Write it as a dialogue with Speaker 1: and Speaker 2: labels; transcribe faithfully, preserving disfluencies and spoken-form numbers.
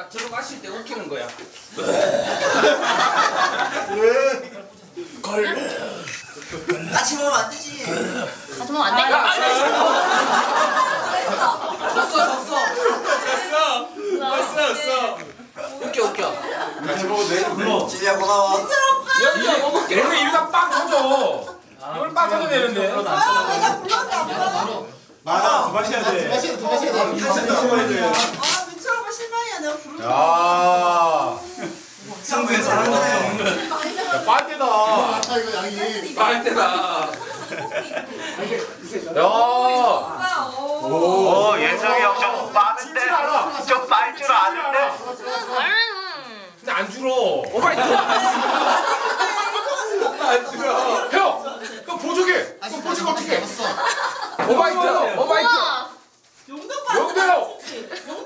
Speaker 1: 딱 들어가실 때 웃기는 거야.
Speaker 2: 걸.
Speaker 3: 같이 먹으면 안 되지.
Speaker 4: 같이 먹으면 안 돼?
Speaker 1: 졌어 졌어.
Speaker 2: 왔어 왔어.
Speaker 1: 웃겨 웃겨.
Speaker 2: 같이 먹어도 돼? 불러.
Speaker 3: 진이야 고마워.
Speaker 1: 연주야 먹을게.
Speaker 2: 얘네 이러다 빵 터져. 이걸 빵 터져 되는데.
Speaker 5: 내가 불렀는데 안 불러.
Speaker 2: 많아. 두 마셔야 돼.
Speaker 6: 두 마셔야 돼, 두 마셔야 돼.
Speaker 2: 한 잔 더 먹어야 돼.
Speaker 5: 아 민철 오빠 실망이야 내가 부르는
Speaker 2: 야.
Speaker 3: 승부에 잘한 거네.
Speaker 2: 야, 빨대다.
Speaker 6: 아, 이거 양이.
Speaker 1: 빨대다.
Speaker 2: 야.
Speaker 7: 오, 예성이 형 좀 빠른데? 좀 빨 줄 아는데?
Speaker 2: 근데 안 줄어.
Speaker 1: 오바이트.
Speaker 2: 안 줄어. 형. 그럼 보조개. 그럼 보조개 어떻게 해?
Speaker 6: 없어.
Speaker 1: 오바이트. 오바이트.
Speaker 4: 우와.
Speaker 5: 용돈 받는
Speaker 2: 용돈!
Speaker 5: 거